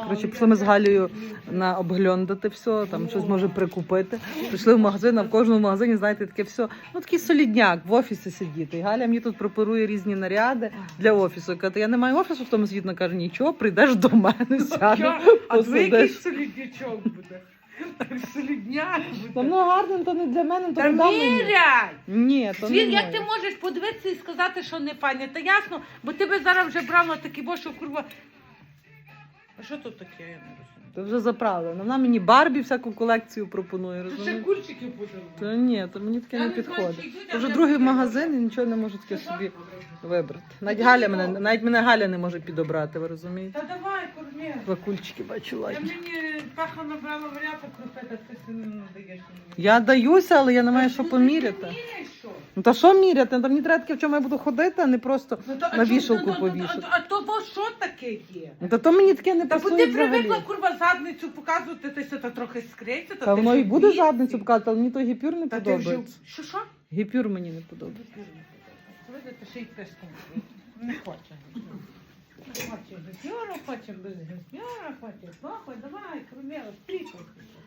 Коротше, пішли ми з Галею на обгльондати все, там щось може прикупити. Прийшли в магазин, а в кожному магазині, знаєте, таке все, ну такий солідняк, в офісі сидіти. І Галя мені тут пропонує різні наряди для офісу. Я кажу, я не маю офісу в тому світі, каже, нічого, прийдеш до мене, сядеш, А твій якийсь посидиш. соліднячок буде. Солідняк Та буде. ну гарно, то не для мене, то Та не мені. міряй! Ні, то не Світ, як моє. ти можеш подивитися і сказати, що не файне? Та ясно, бо ти би зараз вже брав на такі бо, що курва. А що тут таке, я не розумію? То вже заправлено. Вона мені Барбі всяку колекцію пропонує, Це ще розумієш? кульчики подарували. Та ні, то мені таке Я не не знаю, підходить. чи йдуть, То вже а другий я магазин і нічого не можу таке собі вибрати. Навіть мене Галя не може підобрати, ви розумієте? Та давай, кормі. Два кульчики бачу Я ладні. мені паха набрала варіата крупета, ти си не надаєш мені. Я даюся, але я не маю що Ну, поміряти. ти міряєш, що? Ну та що міряти? Там мені треба таке, в чому я буду ходити, а не просто Ну, то, а на чому- вішалку ну, повішати. А то бо що таке є? Ну та то мені таке не Та бо пасує ти взагалі. привикла, курва, задницю показувати, ти все трохи скриться. Та воно і буде задницю показувати, але мені той гіпюр не Та ти вже... подобається. Що? Гіпюр мені не подобається. Видите, ще й песком. Не хоче. Хоче гіпюру, хоче без гіпюра, хоче похуй. Давай, корміла, стріпай.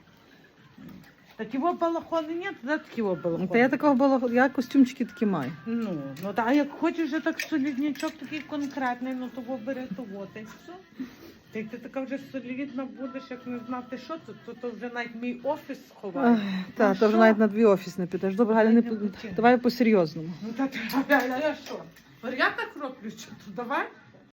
Такі балахони нет, да, такі балахони. Та я такого балаху, я костюмчики такі маю. Ну, та як хочеш вже так соліднячок такий конкретний, ну того бери, того, та й все. Та й ти така вже солідна будеш, як не знати, що це, то вже навіть мій офіс сховає. Так, Ну, то вже що? навіть на дві офіс не підеш. Добре, Галя, не Я не хотіла. давай по-серйозному. Ну та ти, а я що? Я так роблю, що то давай?